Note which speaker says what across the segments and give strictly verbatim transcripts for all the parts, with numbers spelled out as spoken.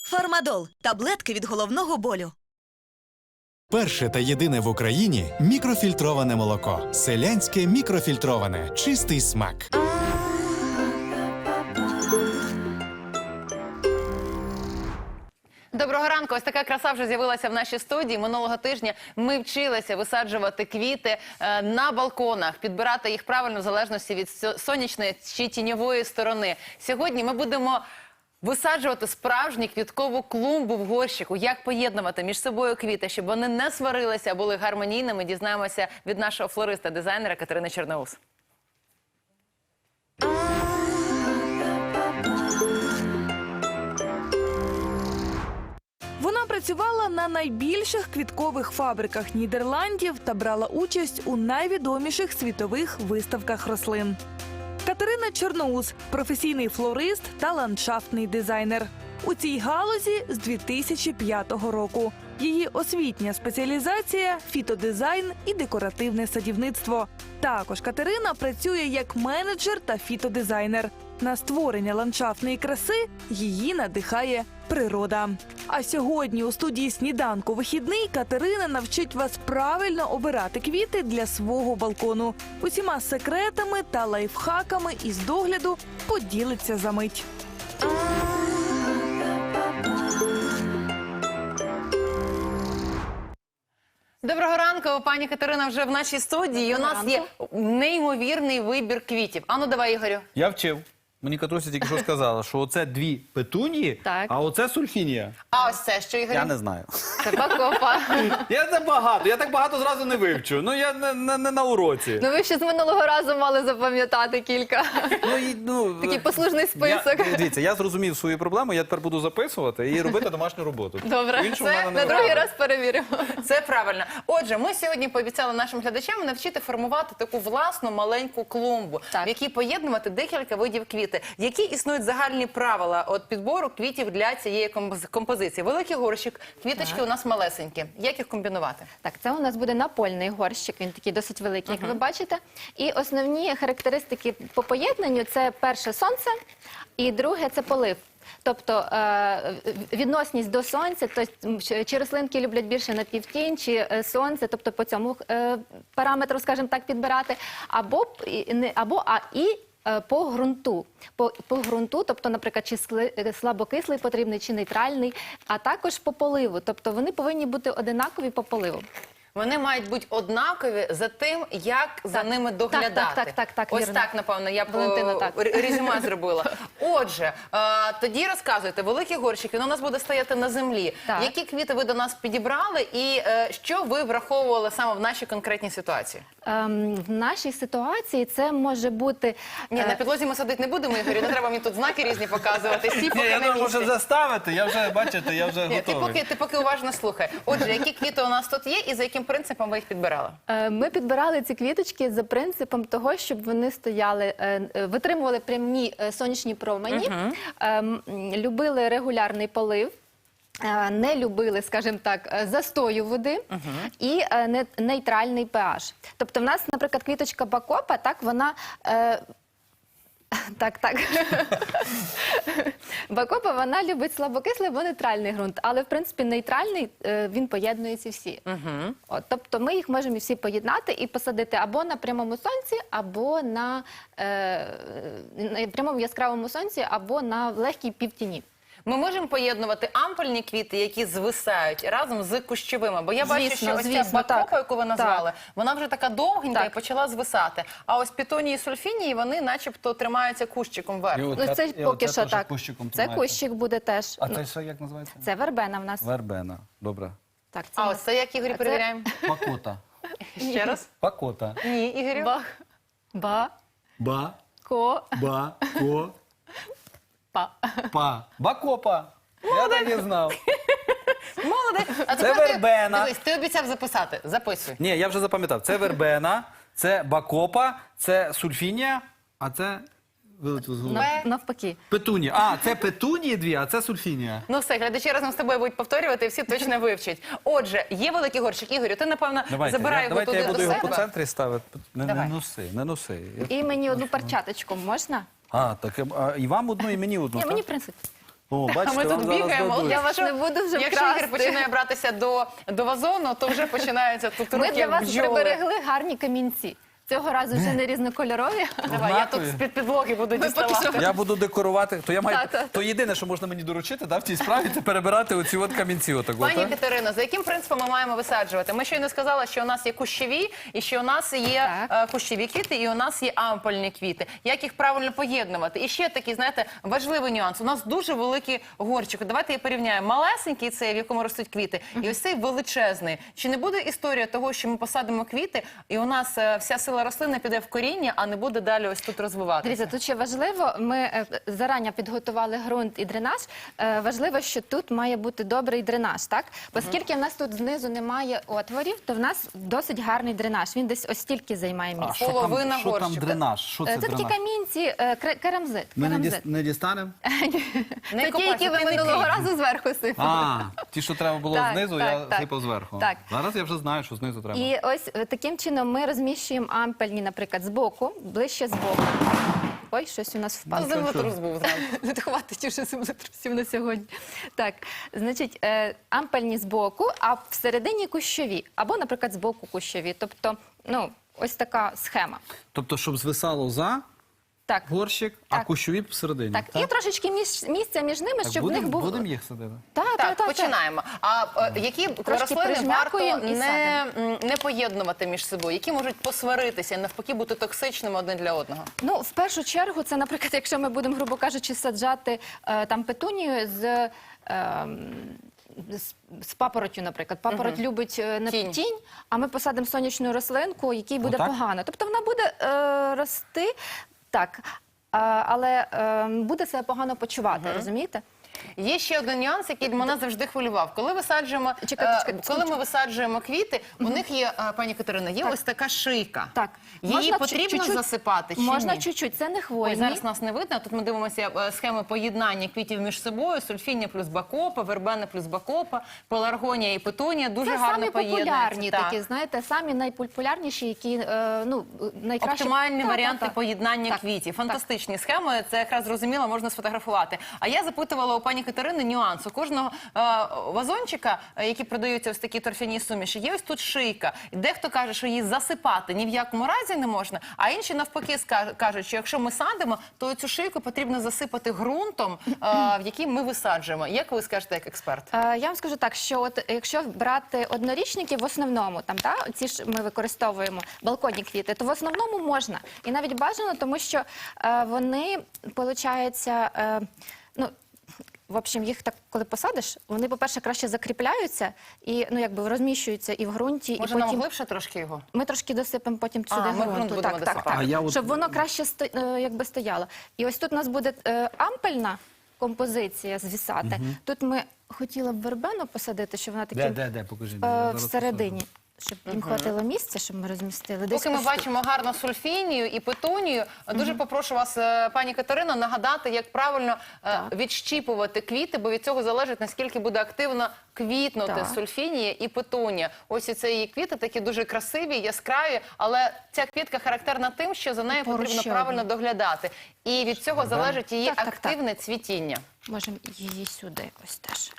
Speaker 1: Фармадол – таблетки від головного болю.
Speaker 2: Перше та єдине в Україні мікрофільтроване молоко. Селянське мікрофільтроване. Чистий смак.
Speaker 3: Доброго ранку. Ось така краса вже з'явилася в нашій студії. Минулого тижня ми вчилися висаджувати квіти е, на балконах, підбирати їх правильно в залежності від сонячної чи тіньової сторони. Сьогодні ми будемо висаджувати справжню квіткову клумбу в горщику. Як поєднувати між собою квіти, щоб вони не сварилися, а були гармонійними, дізнаємося від нашого флориста-дизайнера Катерини Чорноус.
Speaker 4: Вона працювала на найбільших квіткових фабриках Нідерландів та брала участь у найвідоміших світових виставках рослин. Катерина Чорноус – професійний флорист та ландшафтний дизайнер. У цій галузі з дві тисячі п'ятого року. Її освітня спеціалізація – фітодизайн і декоративне садівництво. Також Катерина працює як менеджер та фітодизайнер. На створення ландшафтної краси її надихає природа. А сьогодні у студії «Сніданку вихідний» Катерина навчить вас правильно обирати квіти для свого балкону. Усіма секретами та лайфхаками із догляду поділиться за мить.
Speaker 3: Доброго ранку, пані Катерина вже в нашій студії. У нас є неймовірний вибір квітів. Ану, давай, Ігорю.
Speaker 5: Я вчив. Мені Катруся тільки що сказала, що оце дві петунії,
Speaker 3: Так.
Speaker 5: а оце сульфінія.
Speaker 3: А ось це що, Ігорю?
Speaker 5: Я не знаю.
Speaker 3: Це бакопа.
Speaker 5: Я це багато, я так багато зразу не вивчу. Ну, я не, не, не на уроці.
Speaker 6: Ну ви ще з минулого разу мали запам'ятати кілька.
Speaker 5: Ну, і, ну,
Speaker 6: Такий послужний список.
Speaker 5: Я, дивіться, я зрозумів свою проблему, я тепер буду записувати і робити домашню роботу.
Speaker 6: Добре,
Speaker 5: По-іншому
Speaker 3: це
Speaker 5: в мене не
Speaker 6: на другий
Speaker 5: виходить.
Speaker 6: раз перевіримо.
Speaker 3: Це правильно. Отже, ми сьогодні пообіцяли нашим глядачам навчити формувати таку власну маленьку клумбу,
Speaker 6: Так.
Speaker 3: в якій поєднувати декілька видів квіти. Які існують загальні правила от підбору квітів для цієї композ- композиції? Великий горщик, квіточки у нас малесенькі. Як їх комбінувати?
Speaker 6: Так, це у нас буде напольний горщик, він такий досить великий, як ви бачите. І основні характеристики по поєднанню – це перше сонце, і друге – це полив. Тобто е, відносність до сонця, тобто чи рослинки люблять більше напівтінь, чи е, сонце, тобто по цьому е, параметру, скажімо так, підбирати, або, і не- або а і е, по ґрунту. По, по ґрунту, тобто, наприклад, чи сли- слабокислий потрібний, чи нейтральний, а також по поливу. Тобто вони повинні бути одинакові по поливу.
Speaker 3: Вони мають бути однакові за тим, як за ними доглядати.
Speaker 6: так, так, так, так,
Speaker 3: Ось
Speaker 6: вірно.
Speaker 3: так, напевно, я б
Speaker 6: Валентина,
Speaker 3: о,
Speaker 6: так.
Speaker 3: р- резюме зробила. Отже, е, тоді розказуйте, великий горщик, він у нас буде стояти на землі.
Speaker 6: Так.
Speaker 3: Які квіти ви до нас підібрали і е, що ви враховували саме в нашій конкретній ситуації?
Speaker 6: Ем, в нашій ситуації це може бути...
Speaker 3: Ні,
Speaker 6: е,
Speaker 3: на підлозі ми садити не будемо, Ігорю, не треба мені тут знаки різні показувати. Всі
Speaker 5: Ні,
Speaker 3: поки
Speaker 5: я
Speaker 3: на
Speaker 5: не можу
Speaker 3: місці.
Speaker 5: заставити, я вже, бачите, я вже
Speaker 3: Ні, ти
Speaker 5: готовий.
Speaker 3: поки, ти поки уважно слухай. Отже, які квіти у нас тут є і за яким принципом ви їх підбирали?
Speaker 6: Е, Ми підбирали ці квіточки за принципом того, щоб вони стояли, е, е, витримували прямі е, сонячні промені, е, м, любили регулярний полив, е, не любили, скажімо так, е, застою води і е, не- нейтральний pH. Тобто в нас, наприклад, квіточка бакопа, так, вона... е, Так, так. Бакопа, вона любить слабокислий або нейтральний ґрунт, але, в принципі, нейтральний, е, він поєднує ці всі. От, тобто ми їх можемо всі поєднати і посадити або на прямому сонці, або на, е, на прямому яскравому сонці, або на легкій півтіні.
Speaker 3: Ми можемо поєднувати ампельні квіти, які звисають, разом з кущовими. Бо я бачу,
Speaker 6: Звісно,
Speaker 3: що ось ця
Speaker 6: звісно,
Speaker 3: бакопа,
Speaker 6: так.
Speaker 3: яку ви назвали, вона вже така довгенька
Speaker 6: Так.
Speaker 3: і почала звисати. А ось пітонії і сульфінії, вони начебто тримаються кущиком вверх.
Speaker 5: І
Speaker 6: Ну, це
Speaker 5: і
Speaker 6: поки
Speaker 5: оце
Speaker 6: що
Speaker 5: теж
Speaker 6: так.
Speaker 5: кущиком
Speaker 6: Це
Speaker 5: тримається.
Speaker 6: кущик буде теж.
Speaker 5: А
Speaker 6: Ну,
Speaker 5: це що, як називається?
Speaker 6: це вербена в нас.
Speaker 5: Вербена. Добре.
Speaker 6: Так, це
Speaker 3: А
Speaker 6: у
Speaker 3: ось
Speaker 6: нас-
Speaker 3: це як, Ігорі,
Speaker 6: це-
Speaker 3: перевіряємо?
Speaker 5: Пакота.
Speaker 3: Ще раз?
Speaker 5: Пакота.
Speaker 3: Ні, Ігорю?
Speaker 6: Ба. Ба.
Speaker 5: Ба.
Speaker 6: Ко.
Speaker 5: Ба. Ко.
Speaker 6: Па.
Speaker 5: Па. Бакопа. Я так і знав.
Speaker 3: Молодець. А
Speaker 5: Це
Speaker 3: тепер ти-
Speaker 5: вербена.
Speaker 3: Дивись, ти обіцяв записати. Записуй.
Speaker 5: Ні, я вже запам'ятав. Це вербена, це бакопа, це сульфінія, а це вилетіло з голови.
Speaker 3: Бе.
Speaker 6: Навпаки.
Speaker 5: Петунія. А, це петунії дві, а це сульфінія.
Speaker 3: Ну все, глядачі разом з тобою будуть повторювати, і всі точно вивчать. Отже, є великий горщик. Ігорю, ти, напевно, забирай
Speaker 5: я,
Speaker 3: його
Speaker 5: давайте
Speaker 3: туди
Speaker 5: я буду
Speaker 3: до
Speaker 5: його
Speaker 3: себе.
Speaker 5: по центрі ставити. Не, не
Speaker 3: Давай.
Speaker 5: носи, не носи. Я-
Speaker 6: І мені одну перчаточку можна?
Speaker 5: А, так а, і вам одну, і мені одну.
Speaker 6: Ні,
Speaker 5: так?
Speaker 6: мені в принципі.
Speaker 5: О,
Speaker 3: А
Speaker 5: бачите,
Speaker 3: ми
Speaker 5: вам
Speaker 3: тут
Speaker 5: зараз
Speaker 3: бігаємо.
Speaker 5: дадуть.
Speaker 6: Я вас
Speaker 3: Якщо-
Speaker 6: не буду вже
Speaker 3: Якщо
Speaker 6: красти.
Speaker 3: Ігор починає братися до, до вазону, то вже починаються тут
Speaker 6: Ми
Speaker 3: руки
Speaker 6: для вас
Speaker 3: бджоли.
Speaker 6: приберегли гарні камінці. Цього разу вже не різнокольорові.
Speaker 3: Давай, я тут
Speaker 5: Однакові.
Speaker 3: з-під підлоги буду
Speaker 6: поки
Speaker 3: діставати.
Speaker 6: що-
Speaker 5: Я буду декорувати. То я маю
Speaker 6: Та, та, та.
Speaker 5: то єдине, що можна мені доручити, да, в цій справі, це перебирати оці от камінці. Отак, от,
Speaker 3: Пані
Speaker 5: а?
Speaker 3: Катерино, за яким принципом ми маємо висаджувати? Ми щойно сказали, що у нас є кущові, і що у нас є
Speaker 6: Так.
Speaker 3: е, кущові квіти, і у нас є ампельні квіти. Як їх правильно поєднувати? І ще такий, знаєте, важливий нюанс. У нас дуже великий горщик. Давайте я порівняю. Малесенький цей, в якому ростуть квіти, і ось цей величезний. Чи не буде історія того, що ми посадимо квіти, і у нас е, вся сила рослини піде в коріння, а не буде далі ось тут розвиватися?
Speaker 6: Дивіться, тут ще важливо, ми е, зарані підготували ґрунт і дренаж. Е, Важливо, що тут має бути добрий дренаж, так? Оскільки в нас тут знизу немає отворів, то в нас досить гарний дренаж. Він десь ось стільки займає
Speaker 5: А
Speaker 6: місця.
Speaker 5: що там,
Speaker 3: Половина
Speaker 5: що там
Speaker 3: горщика.
Speaker 5: дренаж? Що це
Speaker 6: Е, Це такі
Speaker 5: дренаж?
Speaker 6: камінці, е, кре- керамзит.
Speaker 5: Ми не,
Speaker 6: керамзит.
Speaker 5: діс- не дістанемо?
Speaker 3: Не
Speaker 6: Це ті,
Speaker 3: копайся,
Speaker 6: які ви
Speaker 3: ти не
Speaker 6: минулого
Speaker 3: бій.
Speaker 6: разу зверху сипали.
Speaker 5: А, ті, що треба було
Speaker 6: Так,
Speaker 5: знизу,
Speaker 6: так,
Speaker 5: я
Speaker 6: так.
Speaker 5: сипав зверху.
Speaker 6: Так.
Speaker 5: Зараз я вже знаю, що знизу треба.
Speaker 6: І ось е, таким чином ми розміщуємо ампельні, наприклад, збоку, ближче збоку. Ой, щось у нас впало.
Speaker 3: Землетрус був зранку.
Speaker 6: Не хватить уже землетрусів на сьогодні. Так, значить, е, ампельні збоку, а всередині кущові. Або, наприклад, збоку кущові. Тобто, ну, ось така схема.
Speaker 5: Тобто, щоб звисало за
Speaker 6: Так,
Speaker 5: горщик, а
Speaker 6: Так.
Speaker 5: кущові всередині.
Speaker 6: так. І трошечки між, місця між ними,
Speaker 5: Так,
Speaker 6: щоб
Speaker 5: будем,
Speaker 6: в них був...
Speaker 5: будемо їх садити?
Speaker 6: Так,
Speaker 3: Так,
Speaker 6: так, так,
Speaker 3: починаємо. А е, які рослини варто
Speaker 6: прижмякуємо і
Speaker 3: не, м, не поєднувати між собою? Які можуть посваритися і навпаки бути токсичними один для одного?
Speaker 6: Ну, в першу чергу, це, наприклад, якщо ми будемо, грубо кажучи, саджати е, там петунію з... Е, з, з папоротю, наприклад. Папороть любить е, на
Speaker 3: Тінь.
Speaker 6: тінь. а ми посадимо сонячну рослинку, якій буде
Speaker 5: Отак?
Speaker 6: погано. Тобто вона буде е, рости, так, а, але е, буде себе погано почувати, розумієте?
Speaker 3: Є ще один нюанс, який мене завжди хвилював. Коли висаджуємо,
Speaker 6: Чекайте,
Speaker 3: е,
Speaker 6: чекайте,
Speaker 3: коли ми
Speaker 6: секундочку.
Speaker 3: висаджуємо квіти, у них є, е, пані Катерина, є
Speaker 6: Так.
Speaker 3: ось така шийка.
Speaker 6: Так.
Speaker 3: Її
Speaker 6: Можна
Speaker 3: потрібно
Speaker 6: чуть-чуть-
Speaker 3: засипати чи
Speaker 6: Можна
Speaker 3: ні?
Speaker 6: чуть-чуть, це не
Speaker 3: Ой,
Speaker 6: хвойні.
Speaker 3: зараз нас не видно. Тут ми дивимося е, схеми поєднання квітів між собою. Сульфіння плюс бакопа, вербена плюс бакопа, пеларгонія і петунія. Дуже
Speaker 6: Це
Speaker 3: гарно
Speaker 6: самі
Speaker 3: поєднуються.
Speaker 6: популярні
Speaker 3: Так.
Speaker 6: такі, знаєте, самі найпопулярніші, які, е, ну, найкраще...
Speaker 3: Оптимальні
Speaker 6: Так,
Speaker 3: варіанти
Speaker 6: так, так.
Speaker 3: поєднання
Speaker 6: Так,
Speaker 3: квітів.
Speaker 6: так.
Speaker 3: Фантастичні схеми. Це якраз зрозуміло, можна сфотографувати. А я запитувала у пані Катерини нюанс. У кожного е, вазончика, е, які продаються ось такі торфяні суміші, є ось тут шийка. І дехто каже, що її засипати ні в якому разі не можна, а інші навпаки ска- кажуть, що якщо ми садимо, то цю шийку потрібно засипати ґрунтом, е, в який ми висаджуємо. Як ви скажете, як експерт?
Speaker 6: Е, Я вам скажу так, що от якщо брати однорічники в основному, там та ці ж ми використовуємо балконні квіти, то в основному можна і навіть бажано, тому що е, вони получаються, е, ну. В общем, їх так, коли посадиш, вони, по-перше, краще закріпляються і, ну, якби розміщуються і в ґрунті,
Speaker 3: Може,
Speaker 6: і
Speaker 3: нам
Speaker 6: потім
Speaker 3: глибше трошки його?
Speaker 6: ми трошки досипемо потім
Speaker 3: А,
Speaker 6: сюди
Speaker 3: ми ґрунт
Speaker 6: ґрунту.
Speaker 3: будемо
Speaker 6: Так, так,
Speaker 3: досипати.
Speaker 6: так.
Speaker 5: А я от-
Speaker 6: Щоб воно краще сто- е, якби стояло. І ось тут у нас буде е, ампельна композиція звісати. Тут ми хотіли б вербену посадити, щоб вона
Speaker 5: Де,
Speaker 6: таким
Speaker 5: де, де, покажіть.
Speaker 6: е,
Speaker 5: я зараз
Speaker 6: всередині. Щоб їм хватило місця, щоб ми розмістили. Десь
Speaker 3: Поки ми
Speaker 6: ось тут.
Speaker 3: бачимо гарно сульфінію і петунію, дуже попрошу вас, е, пані Катерина, нагадати, як правильно е, відщіпувати квіти, бо від цього залежить, наскільки буде активно квітнути
Speaker 6: Так.
Speaker 3: сульфінія і петунія. Ось і це її квіти такі дуже красиві, яскраві, але ця квітка характерна тим, що за нею
Speaker 6: Поруч
Speaker 3: потрібно
Speaker 6: ще
Speaker 3: правильно
Speaker 6: одна.
Speaker 3: доглядати. І від цього залежить її
Speaker 6: Так, так, так.
Speaker 3: активне цвітіння.
Speaker 6: Можемо її сюди ось теж.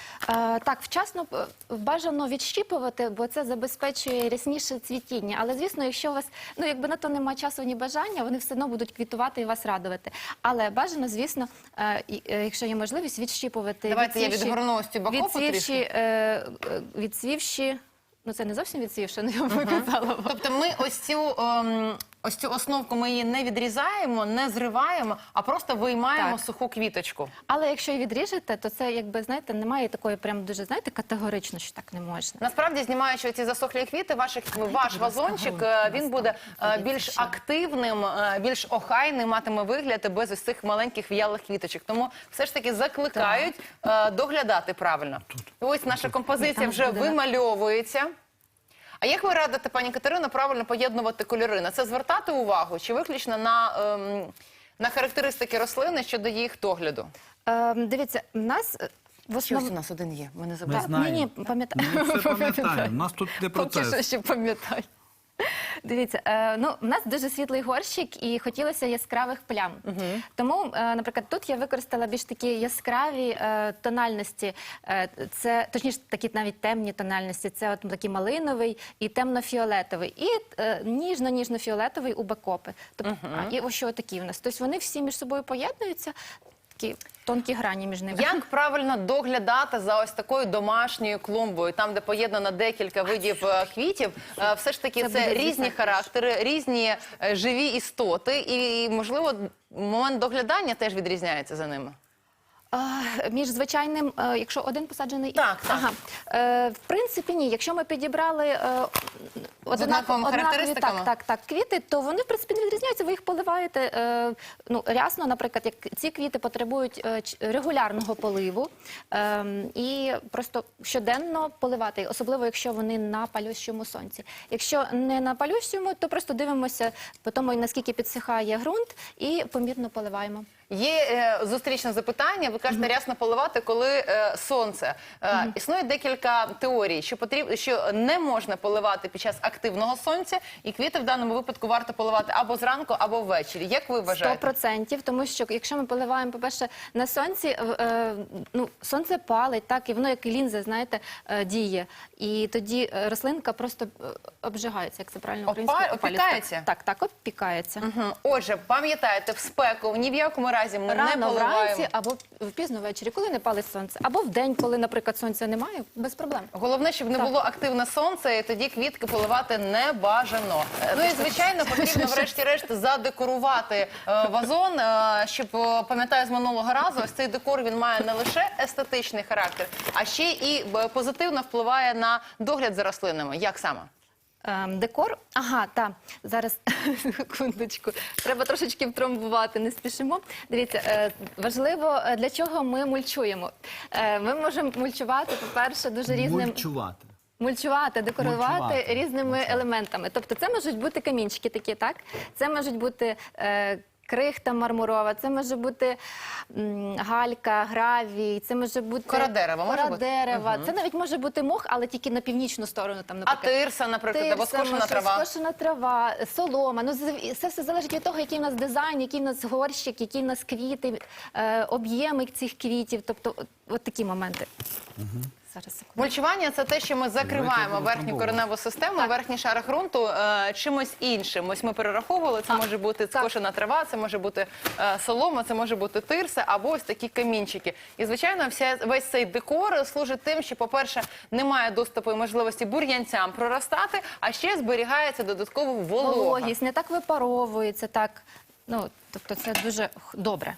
Speaker 6: Е, так, вчасно е, бажано відщіпувати, бо це забезпечує рясніше цвітіння. Але, звісно, якщо у вас, ну, якби на то немає часу ні бажання, вони все одно будуть квітувати і вас радувати. Але бажано, звісно, е, і, е, якщо є можливість, відщіпувати.
Speaker 3: Давайте я
Speaker 6: відцвівші-
Speaker 3: відгорну ось цю бакопу
Speaker 6: відцвівші,
Speaker 3: трішки.
Speaker 6: е, е, відцвівші, ну це не зовсім відцвівши, ну я вам казала вам.
Speaker 3: Тобто ми ось цю, ем, ось цю основку ми її не відрізаємо, не зриваємо, а просто виймаємо
Speaker 6: Так.
Speaker 3: суху квіточку.
Speaker 6: Але якщо і відріжете, то це, якби, знаєте, немає такої прям дуже, знаєте, категорично, що так не можна.
Speaker 3: Насправді, знімаючи ці засохлі квіти, ваших, ваш вазончик, е, він буде е, більш активним, е, більш охайним, матиме вигляд без ось цих маленьких в'ялих квіточок. Тому все ж таки закликають е, доглядати правильно. І ось наша композиція
Speaker 6: Там
Speaker 3: вже
Speaker 6: буде-
Speaker 3: вимальовується. А як ви радите, пані Катерино, правильно поєднувати кольори? На це звертати увагу чи виключно на, ем, на характеристики рослини щодо їх догляду?
Speaker 6: Е, дивіться, в нас е, в
Speaker 3: Щось
Speaker 6: основному...
Speaker 3: у нас один є, ми не
Speaker 5: Ми
Speaker 3: забули.
Speaker 5: знаємо.
Speaker 6: Ні, ні, пам'ятаю.
Speaker 5: Ми все пам'ятаємо. У нас тут не
Speaker 6: Поки що
Speaker 5: процес.
Speaker 6: ще пам'ятаю. Дивіться, е, ну, в нас дуже світлий горщик і хотілося яскравих плям. Тому, е, наприклад, тут я використала більш такі яскраві е, тональності. Е, це, точніше, такі навіть темні тональності. Це от такий малиновий і темно-фіолетовий. І е, ніжно-ніжно-фіолетовий у бакопи. Тобто, а, і ось що такі в нас. Тобто вони всі між собою поєднуються, такі тонкі грані між ними.
Speaker 3: Як правильно доглядати за ось такою домашньою клумбою, там, де поєднано декілька видів е, квітів? Е, Все ж таки,
Speaker 6: Це
Speaker 3: це,
Speaker 6: буде
Speaker 3: різні
Speaker 6: звісно,
Speaker 3: характери, різні е, живі істоти, і, можливо, момент доглядання теж відрізняється за ними.
Speaker 6: А, між звичайним, е, якщо один посаджений...
Speaker 3: Так, так.
Speaker 6: Ага. Е, в принципі, ні. Якщо ми підібрали е,
Speaker 3: однаковими характеристиками?
Speaker 6: так, так, так, квіти, то вони, в принципі, не відрізняються. Ви їх поливаєте е, ну, рясно, наприклад, як ці квіти потребують е, ч- регулярного поливу е, і просто щоденно поливати, особливо, якщо вони на палющому сонці. Якщо не на палющому, то просто дивимося по тому, наскільки підсихає ґрунт, і помірно поливаємо.
Speaker 3: Є е, зустрічне запитання. Ви кажете, рясно поливати, коли е, сонце. Е, Існує декілька теорій, що потрібно, що не можна поливати під час активного сонця, і квіти в даному випадку варто поливати або зранку, або ввечері. Як ви
Speaker 6: Сто
Speaker 3: вважаєте?
Speaker 6: процентів, тому що якщо ми поливаємо, по-перше, на сонці, е, е, ну, сонце палить, так, і воно як лінза, знаєте, е, діє. І тоді е, рослинка просто е, обжигається, як це правильно
Speaker 3: Опа-
Speaker 6: українською?
Speaker 3: опікається?
Speaker 6: Так, так, опікається.
Speaker 3: Мгм. Отже, пам'ятаєте, в спеку ні в якому разі ми не
Speaker 6: Рано
Speaker 3: поливаємо.
Speaker 6: вранці або пізно ввечері, коли не палить сонце, або в день, коли, наприклад, сонця немає, без проблем.
Speaker 3: Головне, щоб не
Speaker 6: Так.
Speaker 3: було активне сонце, і тоді квітки поливати не бажано. Ну і звичайно, потрібно врешті-решт задекорувати е, вазон, е, щоб, е, пам'ятаю з минулого разу, ось цей декор, він має не лише естетичний характер, а ще і е, позитивно впливає на догляд за рослинами. Як саме?
Speaker 6: Ем, Декор, ага, так, зараз, секундочку, треба трошечки втрамбувати, не спішимо. Дивіться, е, важливо, е, для чого ми мульчуємо. Е, Ми можемо мульчувати, по-перше, дуже різним...
Speaker 5: Мульчувати.
Speaker 6: Мульчувати, декорувати
Speaker 5: Мульчувати.
Speaker 6: різними елементами. Тобто це можуть бути камінчики такі, так? Це можуть бути е, крихта мармурова, це може бути м, галька, гравій, це може бути...
Speaker 3: Кора дерева може
Speaker 6: кора
Speaker 3: бути?
Speaker 6: дерева. Це навіть може бути мох, але тільки на північну сторону. Там,
Speaker 3: А
Speaker 6: наприклад.
Speaker 3: тирса, наприклад, або
Speaker 6: Тирса,
Speaker 3: скошена
Speaker 6: може,
Speaker 3: трава?
Speaker 6: скошена трава, солома. Ну, з- це все залежить від того, який в нас дизайн, який в нас горщик, які в нас квіти, е, об'єми цих квітів. Тобто, от, от такі моменти. Зараз, секунду.
Speaker 3: Мульчування – це те, що ми закриваємо верхню кореневу систему, верхній шар ґрунту е, чимось іншим. Ось ми перераховували, це може бути скошена трава, це може бути е, солома, це може бути тирса або ось такі камінчики. І, звичайно, вся, весь цей декор служить тим, що, по-перше, немає доступу і можливості бур'янцям проростати, а ще зберігається додатково волога.
Speaker 6: Вологість не так випаровується, так. Ну, тобто це дуже х- добре.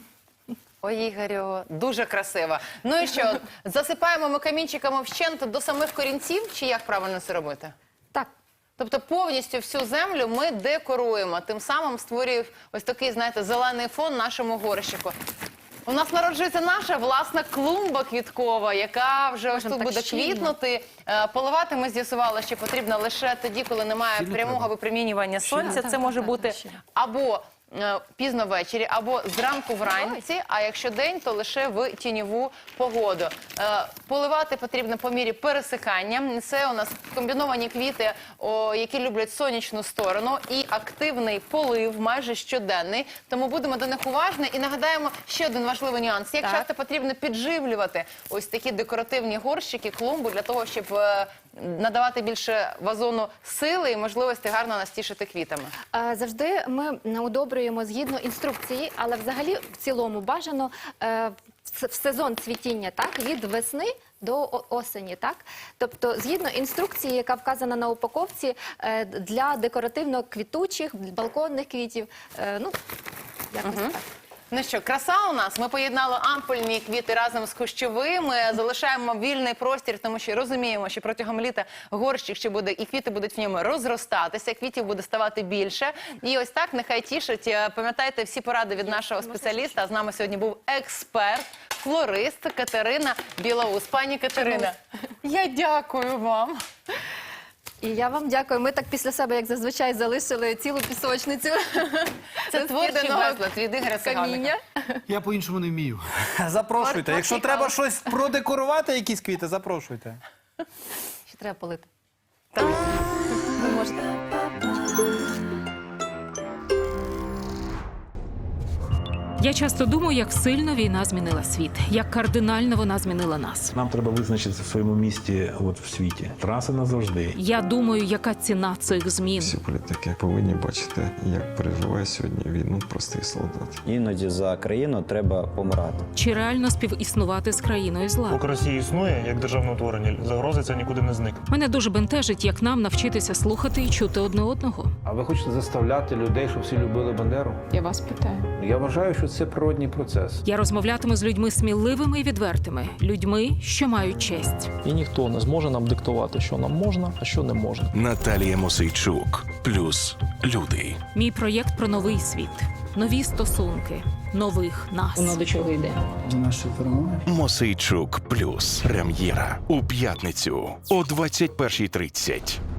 Speaker 3: Ой, Ігорю, дуже красиво. Ну і що, засипаємо ми камінчиками вщент до самих корінців, чи як правильно це робити?
Speaker 6: Так.
Speaker 3: Тобто повністю всю землю ми декоруємо, тим самим створює ось такий, знаєте, зелений фон нашому горщику. У нас народжується наша власна клумба квіткова, яка вже ось
Speaker 6: Можемо
Speaker 3: тут
Speaker 6: так
Speaker 3: буде
Speaker 6: щільно.
Speaker 3: квітнути. Е, Поливати ми з'ясували, що потрібно лише тоді, коли немає
Speaker 5: Щільно
Speaker 3: прямого
Speaker 5: треба.
Speaker 3: випромінювання сонця.
Speaker 6: Так,
Speaker 3: Це
Speaker 6: так,
Speaker 3: може
Speaker 6: так,
Speaker 3: бути
Speaker 6: щільно.
Speaker 3: або е, пізно ввечері, або зранку вранці, а якщо день, то лише в тіньову погоду. Е, Поливати потрібно по мірі пересихання. Це у нас комбіновані квіти, о, які люблять сонячну сторону, і активний полив, майже щоденний. Тому будемо до них уважні. І нагадаємо ще один важливий нюанс. Як
Speaker 6: Так.
Speaker 3: часто потрібно підживлювати ось такі декоративні горщики, клумбу, для того, щоб е, надавати більше вазону сили і можливості гарно настішити квітами.
Speaker 6: Е, Завжди ми удобрюємо згідно інструкції, але взагалі в цілому бажано е, в в сезон цвітіння, так, від весни до о- осені, так? Тобто, згідно інструкції, яка вказана на упаковці, е, для декоративно-квітучих, балконних квітів, е, ну, якось так.
Speaker 3: Ну що, краса у нас. Ми поєднали ампульні квіти разом з кущовими. Залишаємо вільний простір, тому що розуміємо, що протягом літа горщик ще буде, і квіти будуть в ньому розростатися, квітів буде ставати більше. І ось так нехай тішить. Е, Пам'ятайте всі поради від нашого спеціаліста. З нами сьогодні був експерт, флорист Катерина Білоус. Пані Катерина, я дякую вам.
Speaker 6: І я вам дякую. Ми так після себе, як зазвичай, залишили цілу пісочницю.
Speaker 3: Це творчий
Speaker 6: розкиданого
Speaker 3: безлад від Ігоря Сиганика.
Speaker 6: каміння.
Speaker 5: Я по-іншому не вмію. Запрошуйте. Якщо треба щось продекорувати, якісь квіти, запрошуйте.
Speaker 6: Ще треба полити.
Speaker 3: Так.
Speaker 6: Ви можете.
Speaker 7: Я часто думаю, як сильно війна змінила світ, як кардинально вона змінила нас.
Speaker 8: Нам треба визначитися в своєму місті от в світі. Траса назавжди.
Speaker 7: Я думаю, яка ціна цих змін.
Speaker 9: Всі політики повинні бачити, як переживає сьогодні війну простий солдат.
Speaker 10: Іноді за країну треба помирати.
Speaker 7: Чи реально співіснувати з країною зла?
Speaker 11: Поки Росія існує як державне утворення, загрози це нікуди не зникне.
Speaker 7: Мене дуже бентежить, як нам навчитися слухати і чути одне одного.
Speaker 12: А ви хочете заставляти людей, щоб всі любили Бандеру?
Speaker 6: Я вас питаю.
Speaker 12: Я вважаю, що це природній процес.
Speaker 7: Я розмовлятиму з людьми сміливими і відвертими, людьми, що мають честь.
Speaker 11: І ніхто не зможе нам диктувати, що нам можна, а що не можна.
Speaker 13: Наталія Мосейчук. Плюс люди.
Speaker 7: Мій проєкт про новий світ, нові стосунки, нових нас.
Speaker 6: Воно до чого йде?
Speaker 12: До нашої перемоги.
Speaker 13: Мосейчук. Плюс. Прем'єра. У п'ятницю о двадцять першій тридцять.